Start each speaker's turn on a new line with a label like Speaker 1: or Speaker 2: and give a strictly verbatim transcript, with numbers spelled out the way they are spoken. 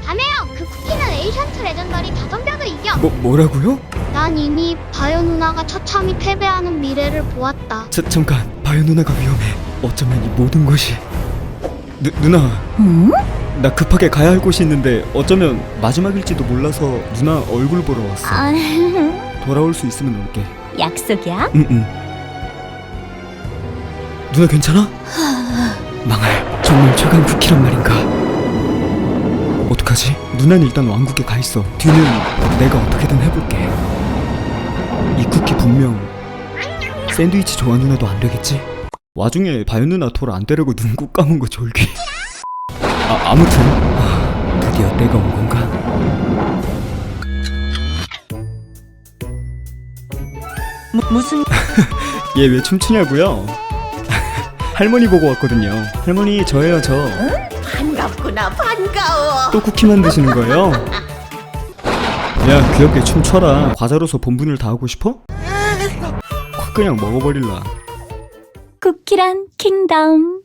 Speaker 1: 자매형, 그 쿠키는 에이션트 레전더리 다덤벼도 이겨.
Speaker 2: 뭐, 뭐라고요?
Speaker 1: 난 이미 바요 누나가 처참히 패배하는 미래를 보았다.
Speaker 2: 자, 잠깐, 바요 누나가 위험해. 어쩌면 이 모든 것이... 누, 누나,
Speaker 3: 응?
Speaker 2: 나 급하게 가야 할 곳이 있는데 어쩌면 마지막일지도 몰라서 누나 얼굴 보러 왔어.
Speaker 3: 아,
Speaker 2: 돌아올 수 있으면 올게.
Speaker 3: 약속이야?
Speaker 2: 응응. 누나 괜찮아? 망할, 정말 최강 쿠키란 말인가? 어떡하지? 누나는 일단 왕국에 가 있어. 뒤는 내가 어떻게든 해볼게. 이 쿠키 분명 샌드위치 좋아 누나도 안 되겠지? 와중에 바요 누나 돌 안 때리고 눈 꾹 감은 거 졸기. 아, 아무튼 아, 드디어 때가 온 건가?
Speaker 3: 무, 무슨
Speaker 2: 얘 왜 춤추냐고요? 할머니 보고 왔거든요. 할머니 저예요 저.
Speaker 4: 반갑구나, 반가워.
Speaker 2: 또 쿠키 만드시는 거예요? 야 귀엽게 춤춰라. 과자로서 본분을 다하고 싶어? 확 그냥 먹어버릴라.
Speaker 3: 쿠키란 킹덤.